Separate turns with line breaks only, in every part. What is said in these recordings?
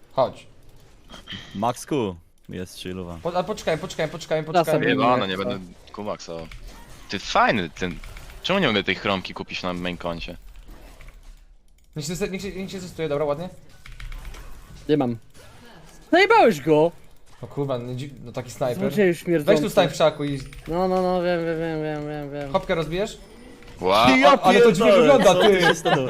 Chodź.
Max Q jest chillowa.
Ale poczekaj.
sobie
Chyba, no nie będę kumaksował. Ty fajny ten. Czemu nie mogę tej chromki kupić na main koncie?
Niech się zestuje, dobra, ładnie.
Nie mam. Zajebałeś go!
No kurwa, no taki snajper.
Złodzieju śmierdzący.
Weź tu stań w krzaku i
No, wiem.
hopkę rozbijesz?
Wow,
Ale to dziwnie wygląda, ty!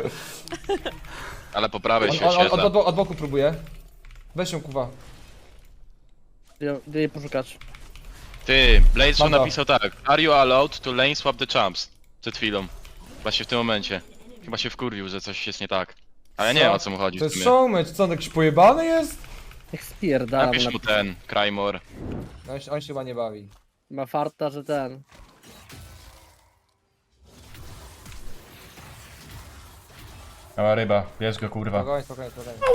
ale po prawej się
On
oświetla.
od boku próbuje. Weź ją, kuwa.
Gdzie jej poszukać?
Ty, Blaze
Mam to.
napisał tak. Are you allowed to lane swap the champs? Przed chwilą. Właśnie w tym momencie. Chyba się wkurwił, że coś jest nie tak. Ale nie wiem o co mu chodzi
To
w
jest
sumie.
showmatch, co on jakiś pojebany jest?
Jak spierdala.
Napisz mu ten, Crymore.
No on się chyba nie bawi.
Ma farta, że ten.
Mała ryba, bierz go kurwa. Spokojnie.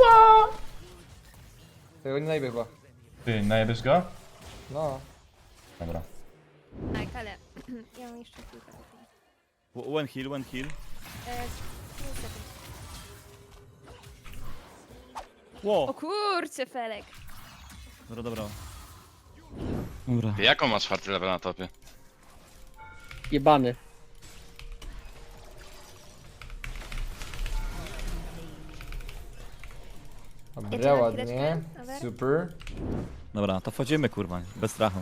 Tego nie najbie chyba.
Ty, najebiesz go?
No.
Dobra.
Tak, ale ja mam jeszcze kilka.
One heal.
Niestety.
Wow.
O kurczę, Felek.
Dobra.
Ty, jaką masz 4 level na topie?
Jebany.
Dobra, ładnie.
chwileczkę, Robert?
Super.
Dobra, to wchodzimy kurwa, bez strachu.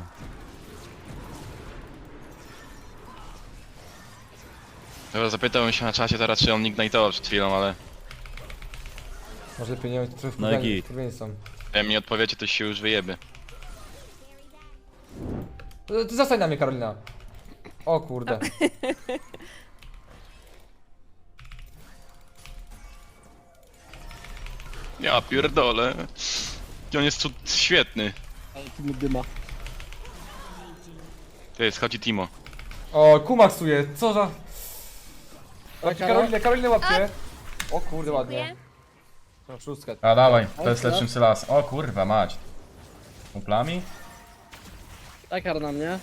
Dobra, zapytałem się na czasie teraz, czy on ignite'ował przed chwilą, ale
Może pieniądze trochę
No i git.
są.
jak mi odpowiecie, to się już wyjebie.
Ty zostań na mnie, Karolina. O kurde.
Ja pierdolę. On jest świetny.
Ale tu mi dyma.
Ty, schodzi Timo.
O, kumaksuje, co za...
Taka,
Karolinę łapcie. O kurde, ładnie.
Dziękuję.
No, szóstkę.
A dawaj, to jest
Oj,
lepszym las. O kurwa, mać. Kuplami?
Takar na mnie.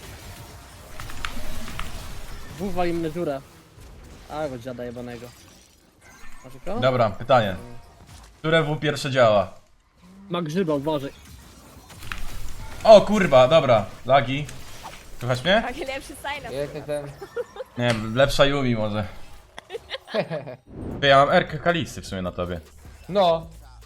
Wuwa im na dziurę. A go dziada jebanego. Masz go?
Dobra, pytanie. Które W pierwsze działa?
Ma grzyba, uważaj.
O kurwa, dobra. Lagi. Słuchasz mnie?
Tak, lepszy silence.
Piękny ten.
Nie, lepsza Yumi może. Ty, ja mam Erkę Kalisty w sumie na tobie.
No.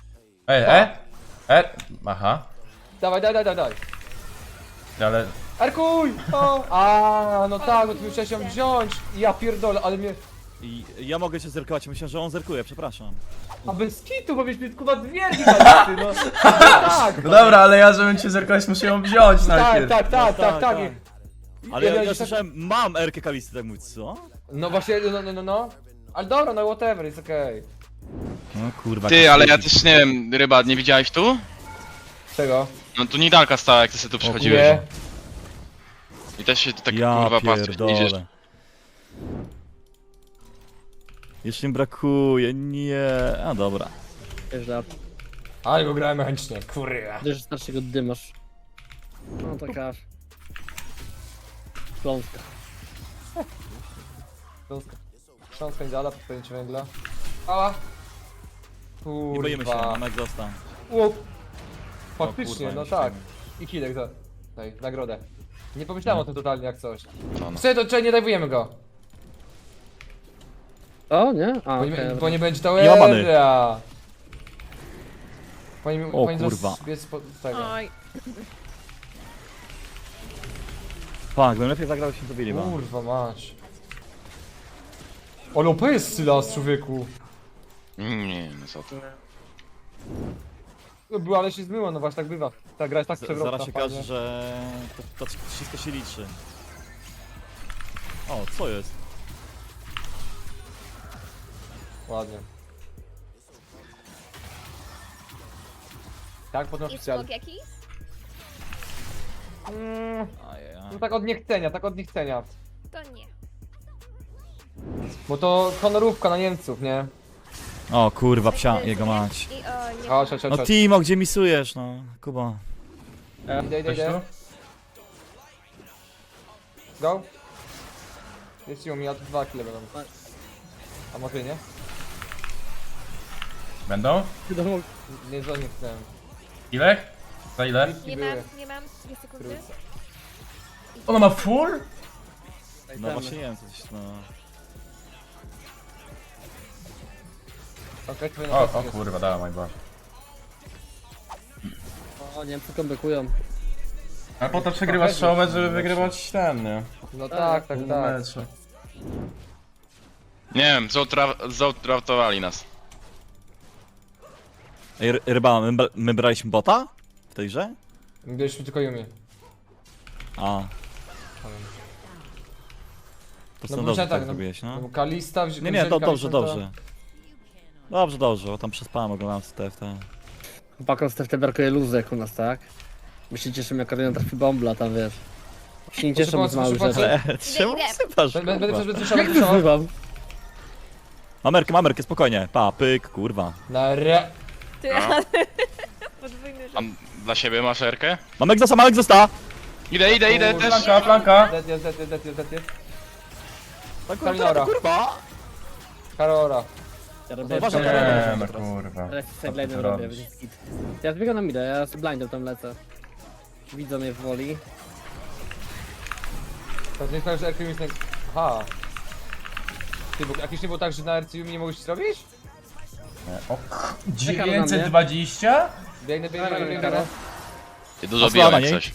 Aha.
Dawaj.
Ale...
Arkuj! O! A, no tak, bo ty musiałeś ją wziąć. Ja pierdolę, ale mnie...
I ja mogę się zerkować, myślę, że on zerkuje, przepraszam.
A bez kitu, bo byś mnie kurwa dwie gigalisty, no. Tak,
No dobra, ale ja żebym cię zerkać muszę ją wziąć najpierw.
tak.
Ale
Ja
ja
tak-
słyszałem, mam Erkę Kalisty, tak mówić, co?
No właśnie, no. Ale dobra, no whatever, jest okej.
No kurwa.
Ty, ale ja też nie wiem, ryba, nie widziałeś tu?
Czego?
No tu Nidalka stała, jak ty sobie tu przychodziłeś.
Nie.
I też się tak
Ja
kurwa patrzysz, nie idziesz.
pierdolę. Jeszcze mi brakuje, nie. A dobra.
Wiesz, da.
Ale go grałem mechanicznie, kurwa.
Wiesz, że starszego dymasz. No taka... Kląska.
Chrząstka nie dala, podpęcie węgla. Ała.
Nie boimy się,
Kurwa.
mamy egzosta.
O, faktycznie,
kurwa,
no
nie
tak.
śmiejmy.
I kilek za... Tutaj, nagrodę. Nie pomyślałem o tym totalnie jak coś.
To no.
Słuchaj, to czekaj, nie dajwujemy go.
O, nie? A,
Bo nie,
okej,
bo nie będzie
Nie ma many.
towera.
O, kurwa.
Biec po tego.
Oj,
Tak, bym lepiej zagrał się dobili, bo.
Kurwa mać. Ale OP jest Sylas, człowieku.
Nie, no co ty.
No była, ale się zmyła, no właśnie tak bywa. Ta gra jest tak przewrotna.
Zaraz się
fajnie.
okaże, że to wszystko się liczy. O, co jest?
Ładnie. Tak, potem
i
oficjalnie.
smok jakiś?
Ajajaj.
No tak od niechcenia.
To nie.
Bo to honorówka na Niemców, nie?
O kurwa, psia, jego mać.
I o, nie.
Chodź.
No Timo, gdzie misujesz, no? Kuba.
Idę. Go. Jest ją, ja tu 2 kile będą. A może nie?
Będą?
Wiadomo,
Nie, że nie chcę.
Ile? Za ile?
Nie
były.
nie mam 2 sekundy.
Ona ma full?
No właśnie nie wiem, coś no...
Okej, twoje
O
napastki jest.
kurwa, dała mój Boże.
O, Niemcy kombykują.
Ale po to przegrywasz show mecz, żeby wygrywać ten, nie?
No tak, tak,
Pół
tak.
meczu.
Nie wiem, zoutdraftowali nas.
Ej, Ryba, my braliśmy bota? W tej grze?
Byliśmy tylko Yumi.
A. To
No
no
bo
dobrze
tak,
tak
no,
zrobiłeś,
no
no.
bo Kalista
Nie, nie, to dobrze, dobrze. Dobrze, dobrze, bo tam przespałem, oglądałem TFT.
Chłopakom z TFT brakuje luzu jak u nas, tak? My się cieszymy jak Karolina trafi bombla, tam wiesz. Się nie cieszą z małych
proszę,
rzeczy.
Ale czemu
idę.
sypasz,
Będę
kurwa?
słyszał,
Jak wyzywam?
Mamerkę, spokojnie. Pa, pyk, kurwa.
Na re...
Ty,
No.
ale... Podwójny
A
rzut.
dla siebie masz Erkę?
Mamek został!
Idę też.
Flanka, flanka!
Zet.
Kalinora. Kurwa!
Karora.
Ja robię
Uważaj,
Nie, no kurwa.
teraz
Co ty
sideline
tu
robię,
robisz?
więc git. Ja zbiegam na midę, ja z blindem tam lecę. Widzą mnie w woli.
To nie sprawia, że RQ jest... Aha. Ty, bo jakieś nie było tak, że na RC Yumi nie mogłeś zrobić?
Nie. O,
Czekam na mnie.
920?
Biegnę.
Ty dużo
Osłana,
biłem
nie?
jak coś.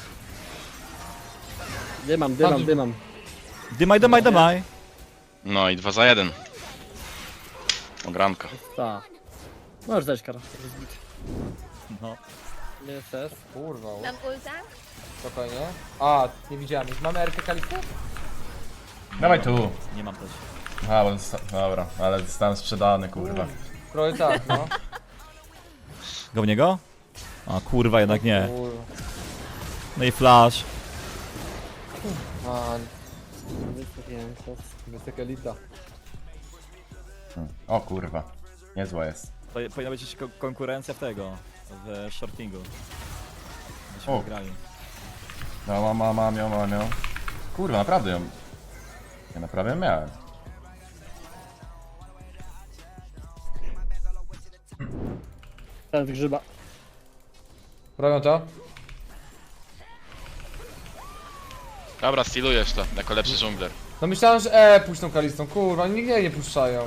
Dymam.
Dymaj.
No i 2 za 1. Ogranka.
Tak. Możesz dać Karol.
No.
Nie chcesz?
Kurwa,
Mam ulta?
spokojnie. A, nie widziałem. Mamy RK Kalistę?
Dawaj tu.
Nie mam też.
A, bo dobra, ale zostałem sprzedany, kurwa.
Trochę tak, no.
Go w niego? A kurwa, jednak nie.
Kurwa.
No i flash.
Man,
Wystawiłem to.
wysoka elita.
O kurwa. Niezła jest.
To powinna być jeszcze konkurencja w tego. W shortingu. Byśmy
O.
wygrali.
No, mam ją. Kurwa, naprawdę ją. Ja naprawdę ją miałem.
Ten grzyba.
Robią to?
Dobra, stylujesz to, jako lepszy żongler.
No myślałem, że puszczą Kalistą. Kurwa, oni nigdy jej nie puszczają.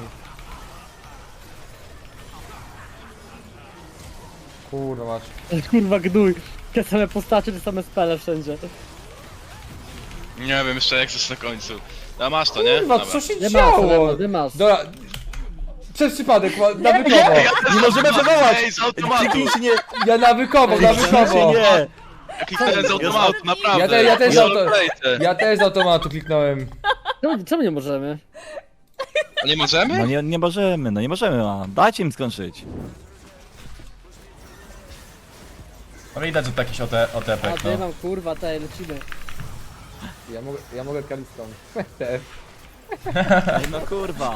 Kurwa, mać.
Kurwa gnój. Te same postacie, te same spele wszędzie.
Nie wiem jeszcze jak coś na końcu. A masz to, nie?
Kurwa,
Dobra.
co się
Dymas,
działo?
dymas.
Dobra. Przez przypadek, nawykowo.
Nie możemy wywołać!
Ej, z automatu!
Kliknij się nie!
Ja nawykowo.
Nie!
Kliknąłem z automatu, naprawdę.
Ja też
Roleplayce.
Ja też z automatu kliknąłem.
Czemu nie możemy?
A nie możemy?
No nie możemy, no nie możemy, a dajcie im skończyć.
No widać, że to jakiś
A
otepek, no.
dymam, kurwa, tej, lecimy.
Ja mogę Kalistą. Też.
Ej, no kurwa.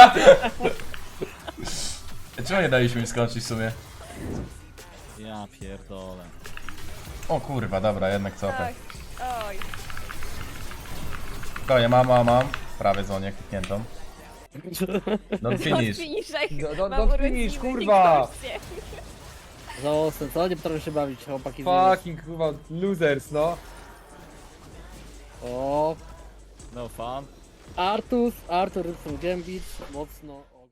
Czemu nie daliśmy mi skończyć w sumie?
Ja pierdolę.
O kurwa, dobra, jednak cofę.
Tak. Oj.
Spokojnie, mam. Prawie zonie klikniętą. Don't finish.
Don't finish, kurwa.
Żałosne, co? Nie potrafię się bawić, chłopaki.
Fucking kurwa, losers, no.
O,
No fun.
Artur Rybson Gambit, mocno. O.